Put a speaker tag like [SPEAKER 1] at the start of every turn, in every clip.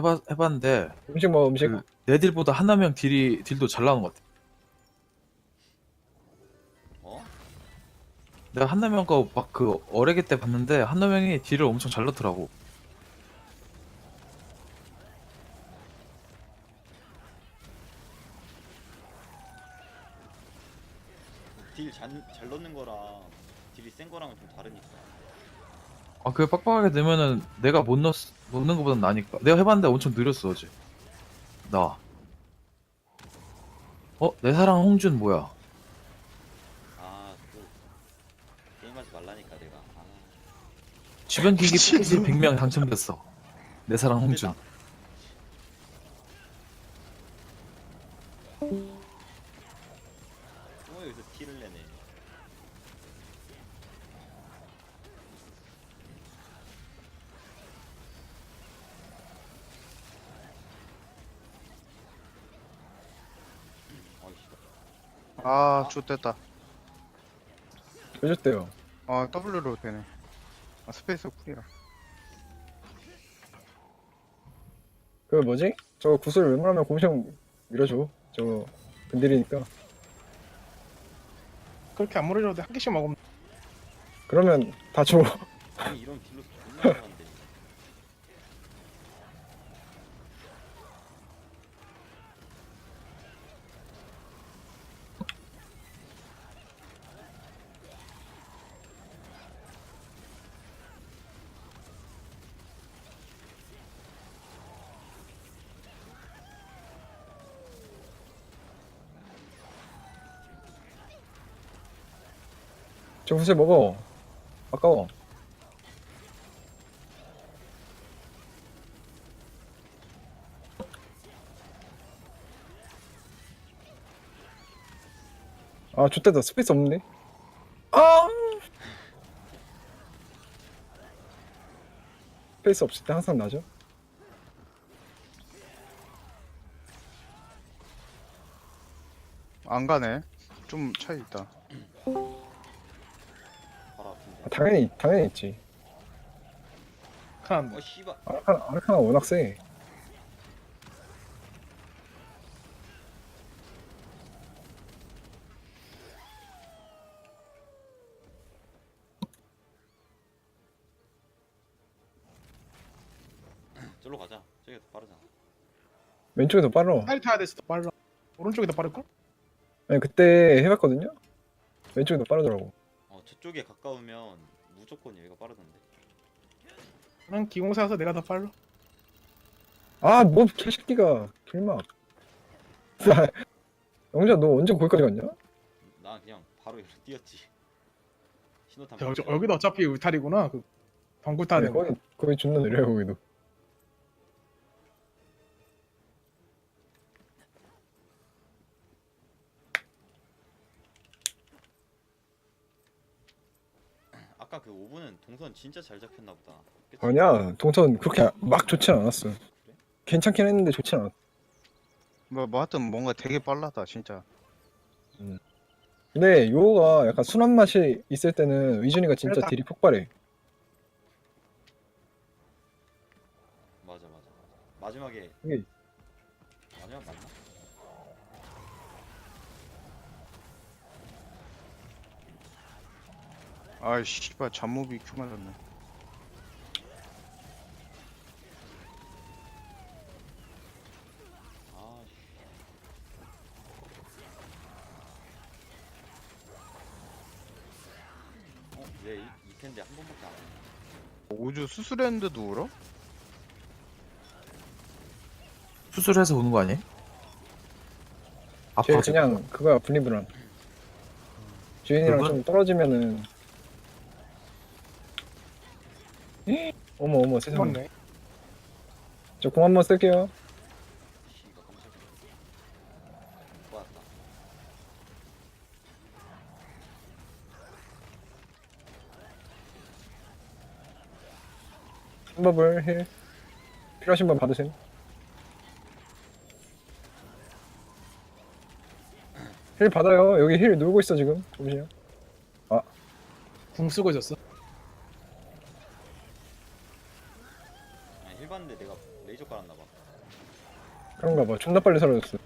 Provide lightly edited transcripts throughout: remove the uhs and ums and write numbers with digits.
[SPEAKER 1] 해봤는데
[SPEAKER 2] 음식 먹어 음식.
[SPEAKER 1] 그 내 딜보다 한나명 딜도 잘 나오는 것 같아.
[SPEAKER 3] 어?
[SPEAKER 1] 내가 한나명 거 막 그 어레게 때 봤는데 한나명이 딜을 엄청 잘 넣더라고.
[SPEAKER 3] 딜 잘 넣는 거랑 딜이 센 거랑은 좀 다르니까.
[SPEAKER 1] 아, 그게 빡빡하게 되면은 내가 못 넣는 것보단 나니까. 내가 해봤는데 엄청 느렸어, 어제. 나. 내 사랑 홍준 뭐야?
[SPEAKER 3] 아, 또 게임하지 말라니까 내가. 아,
[SPEAKER 1] 주변 기기
[SPEAKER 4] 미친.
[SPEAKER 1] 패키지 100명 당첨됐어. 내 사랑 홍준.
[SPEAKER 3] 힘들다. 또 여기서 티를 내네. 어이씨.
[SPEAKER 4] 아, 좋됐다.
[SPEAKER 2] 해줬대요.
[SPEAKER 4] 아, W로 되네. 아, 스페이스 쿨이라.
[SPEAKER 2] 그 뭐지? 저 구슬 웬만하면 곰시형 밀어줘. 저 근딜이니까.
[SPEAKER 5] 그렇게 안 물어줘도 한 개씩 먹으면
[SPEAKER 2] 그러면 다 줘.
[SPEAKER 3] 아니 이런 딜로 존나 잘하는데.
[SPEAKER 2] 저 구슬 먹어. 아까워. 아 좋대다. 스페이스 없는데? 아! 스페이스 없을 때 항상 나죠?
[SPEAKER 4] 안 가네. 좀 차이 있다.
[SPEAKER 3] 바로 아픈데.
[SPEAKER 2] 아, 당연히 있지.
[SPEAKER 5] 칸.
[SPEAKER 3] 씨발.
[SPEAKER 2] 아르카나 워낙 세.
[SPEAKER 3] 저로 가자. 저기가 더 빠르잖아.
[SPEAKER 2] 왼쪽이 더 빨라.
[SPEAKER 5] 빨리 타야 돼서 더 빨라. 오른쪽이 더 빠를걸?
[SPEAKER 2] 아니 그때 해봤거든요? 왼쪽이 더 빠르더라고.
[SPEAKER 3] 저쪽에 가까우면 무조건 여기가 빠르던데.
[SPEAKER 5] 난 기공사여서 내가 더 빨라.
[SPEAKER 2] 아, 뭐 개새끼가 길막. 영자 너 언제 거기까지 갔냐?
[SPEAKER 3] 나 그냥 바로 여기로 뛰었지. 신호탄.
[SPEAKER 5] 여기도 어차피 울타리구나. 그 방구 타야
[SPEAKER 2] 네,
[SPEAKER 5] 되는 거.
[SPEAKER 2] 거기 존나 느려요 거기도.
[SPEAKER 3] 아까 그 5분은 동선 진짜 잘 잡혔나 보다. 그치?
[SPEAKER 2] 아니야 동선 그렇게 막 좋진 않았어. 괜찮긴 했는데 좋진 않았어.
[SPEAKER 4] 뭐 하여튼 뭔가 되게 빨라다, 진짜.
[SPEAKER 2] 근데 요가 약간 순한 맛이 있을 때는 의준이가 진짜
[SPEAKER 5] 그렇다.
[SPEAKER 2] 딜이 폭발해.
[SPEAKER 3] 맞아. 마지막에
[SPEAKER 2] 이게
[SPEAKER 3] 아니야 맞나?
[SPEAKER 4] 아이, 씨발, 잠몹이 큐 맞았네.
[SPEAKER 3] 아 씨. 왜 이 텐데 한 번밖에 안 해?
[SPEAKER 4] 우주 수술했는데도 울어?
[SPEAKER 1] 수술해서 오는 거 아니야?
[SPEAKER 2] 쟤
[SPEAKER 1] 아파.
[SPEAKER 2] 그냥 그거야 분리불안. 주인이랑
[SPEAKER 1] 그건?
[SPEAKER 2] 좀 떨어지면은 어머 세상에.
[SPEAKER 5] 맞네.
[SPEAKER 2] 저 공 한번 쓸게요.
[SPEAKER 3] 씨가 깜짝이야. 좋았다.
[SPEAKER 2] 한법을 힐 필요하신 분 받으세요. 힐 받아요. 여기 힐 놀고 있어 지금. 보시요.
[SPEAKER 5] 궁 쓰고 있었어.
[SPEAKER 3] 아니 힐 봤는데 내가 레이저 깔았나 봐.
[SPEAKER 2] 그런가 봐. 존나 빨리 사라졌어.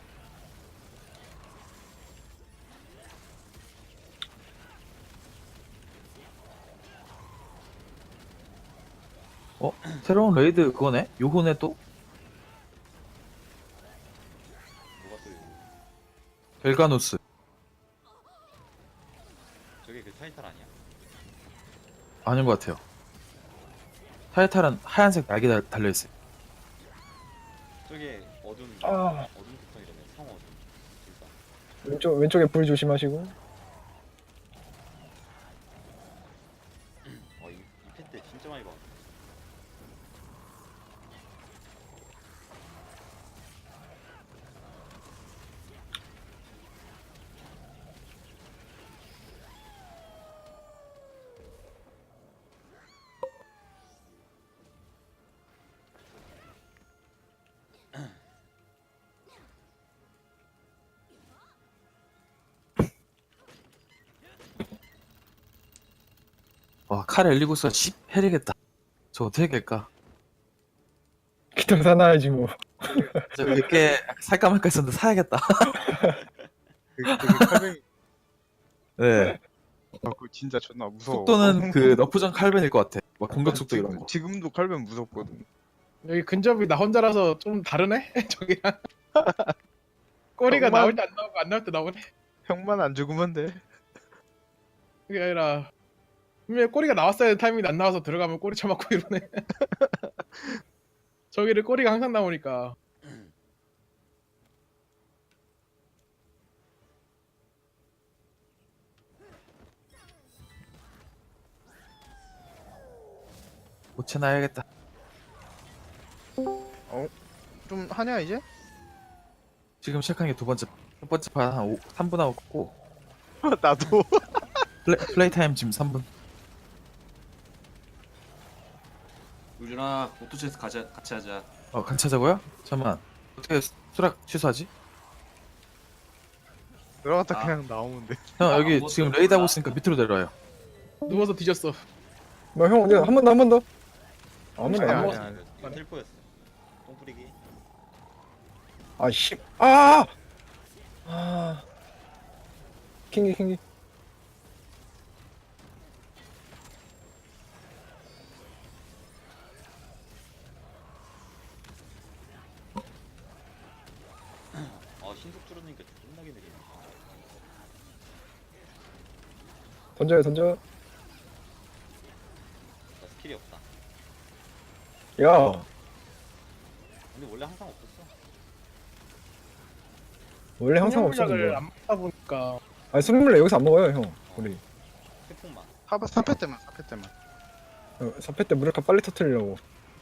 [SPEAKER 1] 새로운 레이드 그거네? 요호네 또?
[SPEAKER 3] 뭐가 또 이거.
[SPEAKER 1] 벨가누스.
[SPEAKER 3] 저게 그 타이탈 아니야?
[SPEAKER 1] 아닌 것 같아요. 타이탈은 하얀색 날개 달려있어요.
[SPEAKER 3] 저게 어둠
[SPEAKER 2] 아.
[SPEAKER 3] 어둠 특성이라며 성어둠 둘다.
[SPEAKER 2] 왼쪽에 불 조심하시고.
[SPEAKER 3] 이 팬때 진짜 많이 봐.
[SPEAKER 1] 와, 칼 엘리구스가 10 해리겠다. 저 어떻게 깰까?
[SPEAKER 2] 기타 사놔야지 뭐.
[SPEAKER 1] 저 이렇게 살까 말까 했었는데 사야겠다.
[SPEAKER 4] 되게 칼뱅이.
[SPEAKER 1] 네.
[SPEAKER 4] 아, 그거 진짜 존나 무서워.
[SPEAKER 1] 속도는 그 너프전 칼벤일 것 같아. 막 공격 속도 이런 거.
[SPEAKER 4] 지금도 칼뱅 무섭거든.
[SPEAKER 5] 여기 근접이 나 혼자라서 좀 다르네? 저기랑 꼬리가
[SPEAKER 4] 정말?
[SPEAKER 5] 나올 때 안 나오고 안 나올 때 나오네.
[SPEAKER 4] 형만 안 죽으면 돼.
[SPEAKER 5] 그게 아니라 분명히 꼬리가 나왔어야 될 타이밍이 안 나와서 들어가면 꼬리 쳐맞고 이러네. 저기를 꼬리가 항상 나오니까.
[SPEAKER 1] 고체 놔야겠다.
[SPEAKER 4] 좀 하냐 이제?
[SPEAKER 1] 지금 시작한 게 두 번째, 첫 번째 판한 3분 하고 고
[SPEAKER 4] 나도.
[SPEAKER 1] 플레이 타임 지금 3분.
[SPEAKER 6] 우준아 오토체스 같이 하자.
[SPEAKER 1] 같이 하자고요? 잠깐만. 어떻게 수락 취소하지?
[SPEAKER 4] 들어갔다
[SPEAKER 6] 아.
[SPEAKER 4] 그냥 나오면 돼.
[SPEAKER 1] 형 여기
[SPEAKER 6] 아무것도
[SPEAKER 1] 지금
[SPEAKER 6] 몰라.
[SPEAKER 1] 레이드 하고 있으니까 밑으로 내려와요.
[SPEAKER 5] 누워서 뒤졌어.
[SPEAKER 2] 뭐 형, 언제 한 번 더, 한 번 더. 아무나
[SPEAKER 4] 아니,
[SPEAKER 2] 안
[SPEAKER 4] 아니,
[SPEAKER 2] 먹었어.
[SPEAKER 4] 아니.
[SPEAKER 3] 이거 텔포였어. 똥 뿌리기.
[SPEAKER 2] 아 씨. 아. 아. 킹기.
[SPEAKER 3] 신속 줄어드니까 존나게 느리네.
[SPEAKER 2] 던져.
[SPEAKER 3] 나 스킬이 없다.
[SPEAKER 2] 야.
[SPEAKER 3] 근데 원래 항상 없었어.
[SPEAKER 2] 원래 항상
[SPEAKER 5] 생명약을
[SPEAKER 2] 없었는데.
[SPEAKER 5] 안 먹다 보니까
[SPEAKER 2] 아니 선물래 여기서 안 먹어요 형. 우리
[SPEAKER 3] 태풍만.
[SPEAKER 4] 사패 때만.
[SPEAKER 2] 4패 때 무력화 빨리 터트리려고.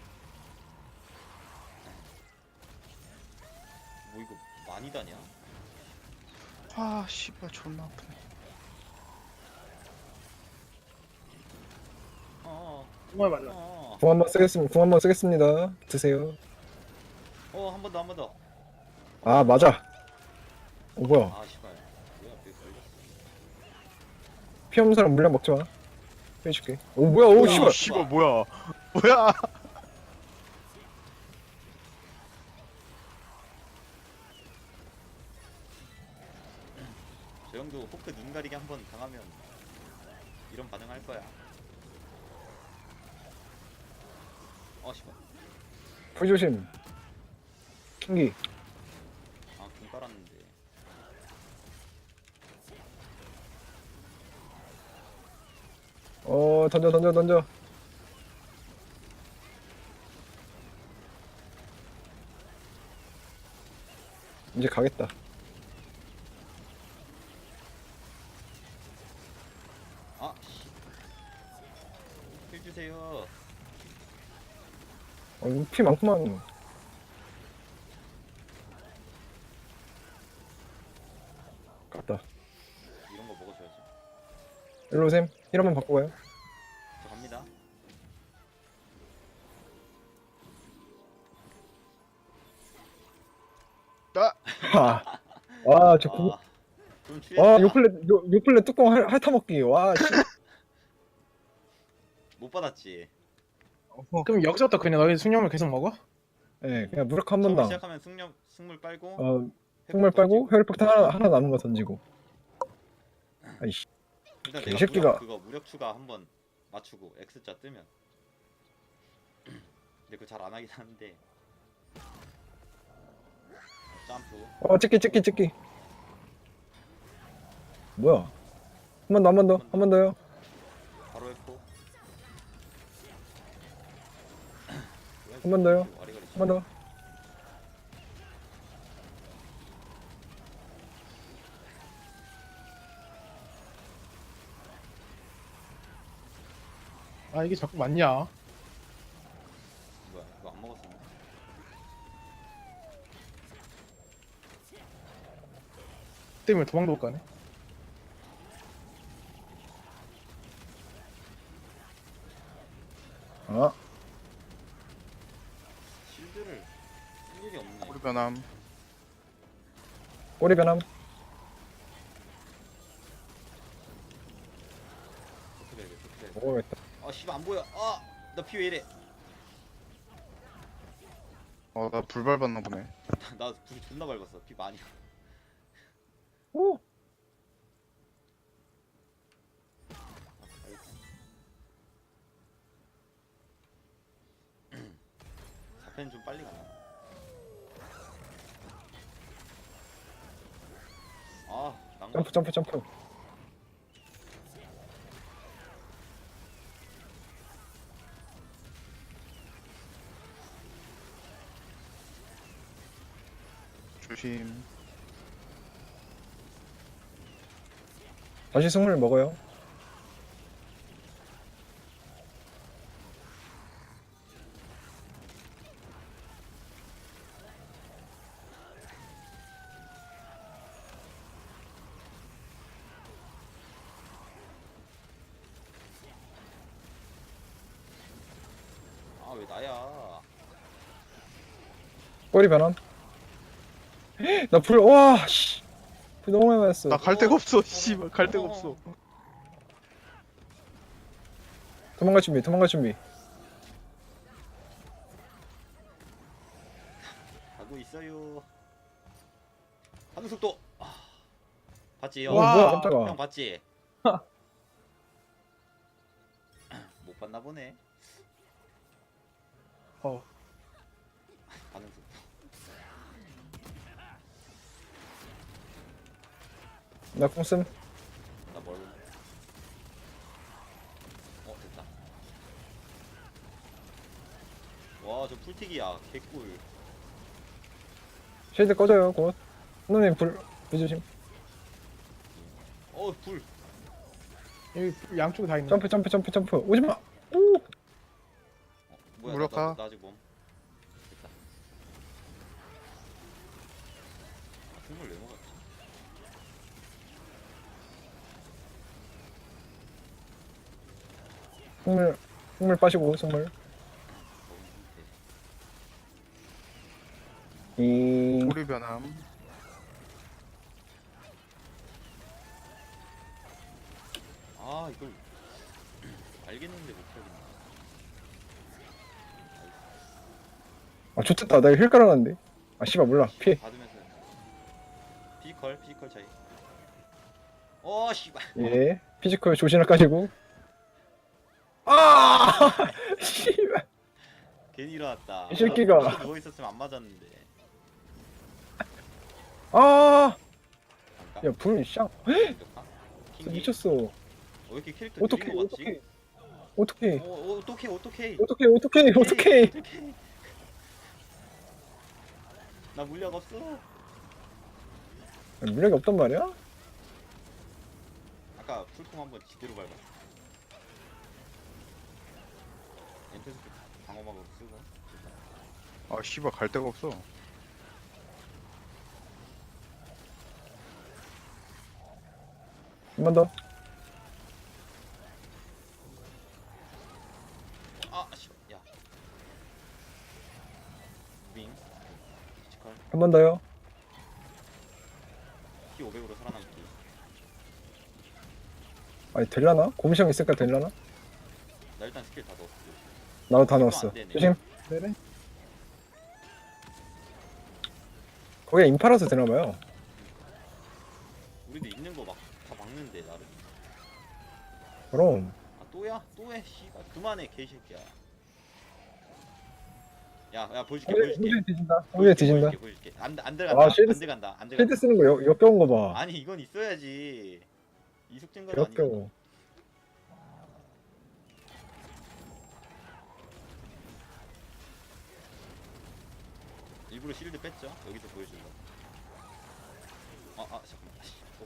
[SPEAKER 3] 뭐 이거 많이 다냐?
[SPEAKER 4] 아 씨발 존나 아프네.
[SPEAKER 5] 정말 맞아.
[SPEAKER 2] 궁 한번 쓰겠습니다. 드세요.
[SPEAKER 3] 한 번 더, 한 번 더.
[SPEAKER 2] 아 맞아. 뭐야?
[SPEAKER 3] 아, 씨발. 뭐야, 왜 걸렸어?
[SPEAKER 2] 피 없는 사람 물량 먹지 마. 해줄게. 오 뭐야? 오 씨발.
[SPEAKER 4] 씨발 뭐야? 뭐야?
[SPEAKER 3] 저 형도 호크 눈 가리기 한 번 당하면 이런 반응할 거야. 씨발.
[SPEAKER 2] 불 조심. 킹기.
[SPEAKER 3] 궁 깔았는데.
[SPEAKER 2] 던져. 이제 가겠다.
[SPEAKER 3] 씨. 힐 주세요.
[SPEAKER 2] 이거 피 많구만. 갔다.
[SPEAKER 3] 이런 거 먹어줘야지.
[SPEAKER 2] 일로 오셈. 힐 한번 바꾸고 가요.
[SPEAKER 3] 저 갑니다.
[SPEAKER 2] 저
[SPEAKER 3] 좀 취했다.
[SPEAKER 2] 요플레 뚜껑 핥아먹기. 와, 씨.
[SPEAKER 3] 못 받았지.
[SPEAKER 5] 그럼 여기서부터 그냥 너희 숙련을 계속 먹어?
[SPEAKER 2] 예, 그냥 무력 한
[SPEAKER 3] 처음에
[SPEAKER 2] 번당.
[SPEAKER 3] 시작하면 승물 빨고
[SPEAKER 2] 어,
[SPEAKER 3] 회복
[SPEAKER 2] 흑물 빨고
[SPEAKER 3] 던지고.
[SPEAKER 2] 혈폭탄 하나 남은 거 던지고. 아이씨.
[SPEAKER 3] 일단 내가
[SPEAKER 2] 개새끼가.
[SPEAKER 3] 무력 그거 무력 추가 한번 맞추고 X자 뜨면. 근데 그거 잘 안 하긴 하는데. 점프.
[SPEAKER 2] 찍기. 뭐야? 한 번 더요.
[SPEAKER 3] 바로 회복.
[SPEAKER 2] 한 번 더요.
[SPEAKER 3] 와리가리
[SPEAKER 2] 한 번 더.
[SPEAKER 5] 아 이게 자꾸 맞냐?
[SPEAKER 3] 뭐야 이거 안 먹었었나?
[SPEAKER 5] 때문에 도망도 못 가네.
[SPEAKER 2] 아,
[SPEAKER 3] 실드를 쓸 일이 없네.
[SPEAKER 4] 꼬리 변함.
[SPEAKER 2] 꼬리 변함.
[SPEAKER 3] 어떻게 해야 돼? 어떻게 해야 돼?
[SPEAKER 2] 먹어야겠다.
[SPEAKER 3] 아 씨발 안 보여. 나 피 왜 이래?
[SPEAKER 4] 나 불 밟았나 보네.
[SPEAKER 3] 나 불 존나 밟았어. 피 많이.
[SPEAKER 2] 오,
[SPEAKER 3] 사펜 좀 빨리 가나? 난가.
[SPEAKER 2] 점프.
[SPEAKER 4] 조심.
[SPEAKER 2] 다시 승물 먹어요.
[SPEAKER 3] 왜 나야?
[SPEAKER 2] 꼬리 변함. 나 불, 와, 씨. 불 너무 많이 맞았어.
[SPEAKER 4] 나 갈 데가 없어. 씨발 갈 데가 없어.
[SPEAKER 2] 도망갈 준비.
[SPEAKER 3] 가고 있어요. 하는 속도. 봤지 형?
[SPEAKER 5] 와,
[SPEAKER 2] 뭐야, 깜짝아.
[SPEAKER 3] 형 봤지? 못 봤나 보네. 반응 속도.
[SPEAKER 2] 나 콩씀.
[SPEAKER 3] 나 뭘? 됐다. 와, 저 풀튀기야. 개꿀.
[SPEAKER 2] 쉐이드 꺼져요, 곧. 선생님, 불 조심.
[SPEAKER 3] 불.
[SPEAKER 5] 여기 양쪽에 다 있네.
[SPEAKER 2] 점프. 오지마. 오!
[SPEAKER 3] 뭐야?
[SPEAKER 4] 무력화.
[SPEAKER 3] 나 아직 몸. 됐다. 승물 왜 먹었지?
[SPEAKER 2] 승물 빠시고, 승물.
[SPEAKER 3] 거기 상태.
[SPEAKER 4] 꼬리 변함.
[SPEAKER 3] 이걸 알겠는데 못하겠네.
[SPEAKER 2] 아, 좋겠다. 나 이거 힐 깔아놨는데. 아, 씨발, 몰라. 피해.
[SPEAKER 3] 받으면서 피지컬 차이. 씨발.
[SPEAKER 2] 예. 피지컬 조신을 까지고. 아! 씨발.
[SPEAKER 3] 괜히 일어났다.
[SPEAKER 2] 이 새끼가.
[SPEAKER 3] 누워 있었으면 안 맞았는데.
[SPEAKER 2] 아!
[SPEAKER 3] 잠깐.
[SPEAKER 2] 야, 불, 샹.
[SPEAKER 3] 잠깐. 킹기.
[SPEAKER 2] 미쳤어.
[SPEAKER 3] 왜 이렇게 캐릭터
[SPEAKER 2] 어떻게,
[SPEAKER 3] 느린 거 같지?
[SPEAKER 2] 어떻게.
[SPEAKER 3] 어떡해. 나 물약 없어.
[SPEAKER 2] 물력이 없단 말이야?
[SPEAKER 3] 아까 풀콤 한번 지대로 밟았어. 엔테스 방어막으로 쓰고.
[SPEAKER 4] 씨발 갈 데가 없어.
[SPEAKER 2] 한 번 더.
[SPEAKER 3] 씨발. 야. 무빙. 피지컬.
[SPEAKER 2] 한 번 더요.
[SPEAKER 3] 피 500으로 살아남기.
[SPEAKER 2] 아니, 될라나? 곰시형 있으니까 될라나?
[SPEAKER 3] 나 일단 스킬 다 넣었어.
[SPEAKER 2] 나도 다
[SPEAKER 3] 이거
[SPEAKER 2] 넣었어.
[SPEAKER 3] 안 되네.
[SPEAKER 2] 조심.
[SPEAKER 5] 네네.
[SPEAKER 2] 거기가 인파라서 되나봐요.
[SPEAKER 3] 우리도 있는 거 막 다 막는데 나를.
[SPEAKER 2] 그럼
[SPEAKER 3] 아 또야? 또해 씨발 그만해 개새끼야. 야 보여줄게 보여줄게.
[SPEAKER 2] 홍준이 뒤진다. 홍준이 뒤진다.
[SPEAKER 3] 보여줄게. 안 들어간다.
[SPEAKER 2] 아, 쉴드
[SPEAKER 3] 안 들어간다. 안
[SPEAKER 2] 필드
[SPEAKER 3] 들어간다.
[SPEAKER 2] 쓰는 거 역겨운 거 봐.
[SPEAKER 3] 아니 이건 있어야지. 이속증가도 아니고.
[SPEAKER 2] 역겨워.
[SPEAKER 3] 일부러 실드 뺐죠? 여기서 보여주려고. 잠깐만. 씨. 오.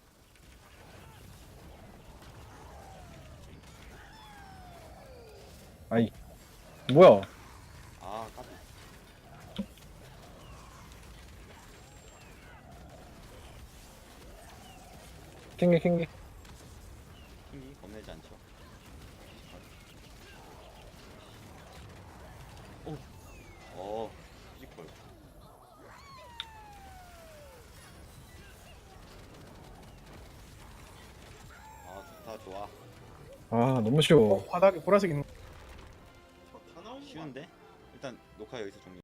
[SPEAKER 2] 아이 뭐야?
[SPEAKER 3] 까비.
[SPEAKER 2] 킹기
[SPEAKER 3] 킹이 겁내지 않죠. 피지컬. 좋다 좋아.
[SPEAKER 2] 아 너무 쉬워.
[SPEAKER 5] 바닥에 보라색 있는
[SPEAKER 3] 쉬운데? 일단 녹화 여기서 종료.